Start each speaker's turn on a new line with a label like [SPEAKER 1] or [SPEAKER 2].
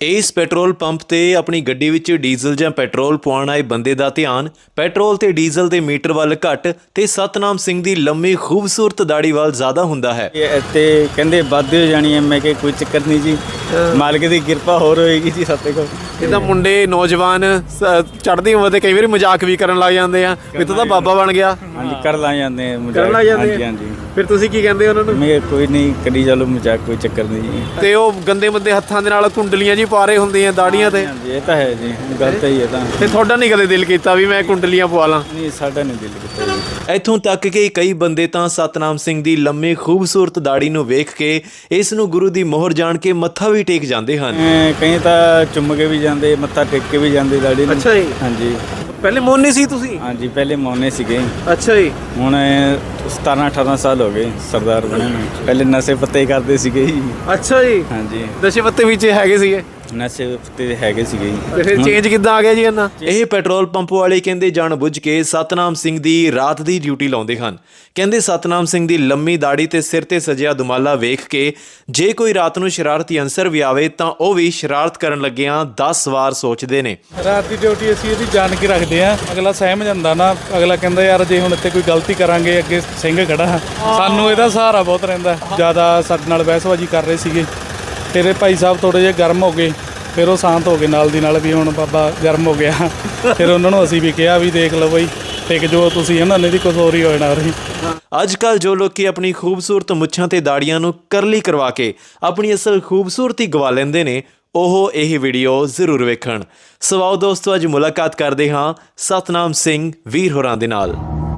[SPEAKER 1] ਇਸ petrol pump ਤੇ ਆਪਣੀ ਗੱਡੀ ਵਿੱਚ ਡੀਜ਼ਲ ਜਾਂ ਪੈਟਰੋਲ ਪਵਾਉਣ ਆਏ ਬੰਦੇ ਦਾ ਧਿਆਨ ਪੈਟਰੋਲ ਤੇ ਡੀਜ਼ਲ ਦੇ ਮੀਟਰ ਵੱਲ ਘੱਟ ਤੇ ਸਤਨਾਮ ਸਿੰਘ ਦੀ ਲੰਮੀ ਖੂਬਸੂਰਤ ਦਾੜੀ ਵੱਲ ਜ਼ਿਆਦਾ ਹੁੰਦਾ ਹੈ।
[SPEAKER 2] ਤੇ ਕਹਿੰਦੇ ਵੱਧ ਹੋ ਜਾਣੀ ਹੈ। ਮੈਂ ਕਿ ਕੋਈ ਚੱਕਰ ਨਹੀਂ ਜੀ, ਮਾਲਕ ਦੀ ਕਿਰਪਾ ਹੋਰ ਹੋਏਗੀ ਜੀ ਸਾਡੇ ਕੋਲ।
[SPEAKER 3] ਜਿੱਦਾਂ ਮੁੰਡੇ ਨੌਜਵਾਨ ਚੜ੍ਹਦੀ ਉਮਰ ਦੇ ਕਈ ਵਾਰੀ ਮਜ਼ਾਕ ਵੀ ਕਰਨ ਲੱਗ ਜਾਂਦੇ ਆ ਵੀ ਤੂੰ ਤਾਂ ਬਾਬਾ ਬਣ ਗਿਆ।
[SPEAKER 2] ਹਾਂਜੀ ਕਰ ਲਾ ਜਾਂਦੇ ਆ
[SPEAKER 3] ਕਰਨ ਲੱਗ ਜਾਂਦੇ
[SPEAKER 2] ਹਾਂਜੀ
[SPEAKER 3] ਆ।
[SPEAKER 2] ਹਾਂਜੀ
[SPEAKER 3] ਫਿਰ ਤੁਸੀਂ ਕੀ ਕਹਿੰਦੇ ਉਹਨਾਂ ਨੂੰ?
[SPEAKER 2] ਮੈਂ ਕੋਈ ਨਹੀਂ ਕਰੀ ਚਲੋ ਮਜ਼ਾਕ, ਕੋਈ ਚੱਕਰ ਨਹੀਂ ਜੀ।
[SPEAKER 3] ਤੇ ਉਹ ਗੰਦੇ ਮੰਦੇ ਹੱਥਾਂ ਦੇ ਨਾਲ ਕੁੰਡਲੀਆਂ ਜੀ ਪਾ ਰਹੇ ਹੁੰਦੇ ਆ ਦਾੜੀਆਂ ਤੇ,
[SPEAKER 2] ਹਾਂਜੀ ਇਹ ਤਾਂ ਹੈ ਜੀ, ਗਲਤ ਹੀ ਹੈ ਤਾਂ।
[SPEAKER 3] ਤੇ ਤੁਹਾਡਾ ਨਹੀਂ ਕਦੇ ਦਿਲ ਕੀਤਾ ਵੀ ਮੈਂ ਕੁੰਡਲੀਆਂ ਪਵਾ ਲਾਂ?
[SPEAKER 2] ਨਹੀਂ ਸਾਡਾ ਨਹੀਂ ਦਿਲ ਕੀਤਾ ਜੀ।
[SPEAKER 1] ਇੱਥੋਂ ਤੱਕ ਕਿ ਕਈ ਬੰਦੇ ਤਾਂ ਸਤਨਾਮ ਸਿੰਘ ਦੀ ਲੰਮੀ ਖੂਬਸੂਰਤ ਦਾੜੀ ਨੂੰ ਵੇਖ ਕੇ ਇਸ ਨੂੰ ਗੁਰੂ ਦੀ ਮੋਹਰ ਜਾਣ ਕੇ ਮੱਥਾ ਵੀ ਟੇਕ ਜਾਂਦੇ ਹਨ।
[SPEAKER 2] ਕਈ ਤਾਂ ਚੁੰਮ ਕੇ ਵੀ ਜਾਂਦੇ, ਮੱਥਾ ਟੇਕ ਕੇ ਵੀ ਜਾਂਦੇ ਦਾੜੀ ਨੂੰ।
[SPEAKER 3] ਅੱਛਾ ਜੀ।
[SPEAKER 2] ਹਾਂਜੀ
[SPEAKER 3] ਪਹਿਲੇ ਮੋਨੇ ਸੀ ਤੁਸੀਂ?
[SPEAKER 2] ਹਾਂਜੀ ਪਹਿਲੇ ਮੌਨੇ ਸੀਗੇ,
[SPEAKER 3] ਅੱਛਾ ਜੀ।
[SPEAKER 2] ਹੁਣ 17-18 ਸਾਲ ਹੋ ਗਏ ਸਰਦਾਰ ਬਣੇ ਨੂੰ। ਪਹਿਲੇ ਨਸ਼ੇ ਪੱਤੇ ਕਰਦੇ ਸੀਗੇ ਜੀ।
[SPEAKER 3] ਅੱਛਾ ਜੀ।
[SPEAKER 2] ਹਾਂਜੀ
[SPEAKER 3] ਨਸ਼ੇ ਪੱਤੇ ਵਿੱਚ ਹੈਗੇ ਸੀਗੇ
[SPEAKER 2] ਨਸ਼ੇ ਪੱਤੇ ਹੈਗੇ ਸੀਗੇ ਜੀ।
[SPEAKER 3] ਤੇ ਫਿਰ ਚੇਂਜ ਕਿੱਦਾਂ ਆ ਗਿਆ ਜੀ ਇਹਨਾਂ?
[SPEAKER 1] ਇਹ ਪੈਟਰੋਲ ਪੰਪ ਵਾਲੇ ਕਹਿੰਦੇ ਜਾਣਬੁੱਝ ਕੇ ਸਤਨਾਮ ਸਿੰਘ ਦੀ ਰਾਤ ਦੀ ਡਿਊਟੀ ਲਾਉਂਦੇ ਹਨ। ਕਹਿੰਦੇ ਸਤਨਾਮ ਸਿੰਘ ਦੀ ਲੰਮੀ ਦਾੜੀ ਤੇ ਸਿਰ ਤੇ ਸਜਿਆ ਦੁਮਾਲਾ ਵੇਖ ਕੇ ਜੇ ਕੋਈ ਰਾਤ ਨੂੰ ਸ਼ਰਾਰਤੀ ਅਨਸਰ ਵੀ ਆਵੇ ਤਾਂ ਉਹ ਵੀ ਸ਼ਰਾਰਤ ਕਰਨ ਲੱਗਿਆਂ 10 ਵਾਰ ਸੋਚਦੇ ਨੇ।
[SPEAKER 4] ਰਾਤ ਦੀ ਡਿਊਟੀ ਅਸੀਂ ਇਹਦੀ ਜਾਣ ਕੇ ਰੱਖਦੇ ਆ। ਅਗਲਾ ਸਹਿਮ ਜਾਂਦਾ ਨਾ, ਅਗਲਾ ਕਹਿੰਦਾ ਯਾਰ ਜੇ ਹੁਣ ਇੱਥੇ ਕੋਈ ਗਲਤੀ ਕਰਾਂਗੇ ਅੱਗੇ ਸਿੰਘ ਖੜਾ, ਸਾਨੂੰ ਇਹਦਾ ਸਹਾਰਾ ਬਹੁਤ ਰਹਿੰਦਾ। ਜ਼ਿਆਦਾ ਸਾਡੇ ਨਾਲ ਬਹਿਸਬਾਜ਼ੀ ਕਰ ਰਹੇ ਸੀਗੇ, ਫਿਰ ਇਹ ਭਾਈ ਸਾਹਿਬ ਥੋੜ੍ਹੇ ਜਿਹੇ ਗਰਮ ਹੋ ਗਏ, ਫਿਰ ਉਹ ਸ਼ਾਂਤ ਹੋ ਗਏ ਨਾਲ ਦੀ ਨਾਲ ਵੀ ਹੁਣ ਬਾਬਾ ਗਰਮ ਹੋ ਗਿਆ। ਫਿਰ ਉਹਨਾਂ ਨੂੰ ਅਸੀਂ ਵੀ ਕਿਹਾ ਵੀ ਦੇਖ ਲਓ ਬਈ ਟਿਕ ਜੋ ਤੁਸੀਂ, ਇਹਨਾਂ ਨੇ ਦੀ ਕੁਛ ਹੋਰ ਹੀ ਹੋ ਜਾਣਾ ਰਹੀ।
[SPEAKER 1] ਅੱਜ ਕੱਲ੍ਹ ਜੋ ਲੋਕੀ ਆਪਣੀ ਖੂਬਸੂਰਤ ਮੁੱਛਾਂ ਤੇ ਦਾੜੀਆਂ ਨੂੰ ਕਰਲੀ ਕਰਵਾ ਕੇ ਆਪਣੀ ਅਸਲ ਖੂਬਸੂਰਤੀ ਗਵਾ ਲੈਂਦੇ ਨੇ, ਉਹ ਇਹ ਵੀਡੀਓ ਜ਼ਰੂਰ ਵੇਖਣ। ਸੋ ਆਓ ਦੋਸਤੋ ਅੱਜ ਮੁਲਾਕਾਤ ਕਰਦੇ ਹਾਂ ਸਤਨਾਮ ਸਿੰਘ ਵੀਰ ਹੋਰਾਂ ਦੇ ਨਾਲ।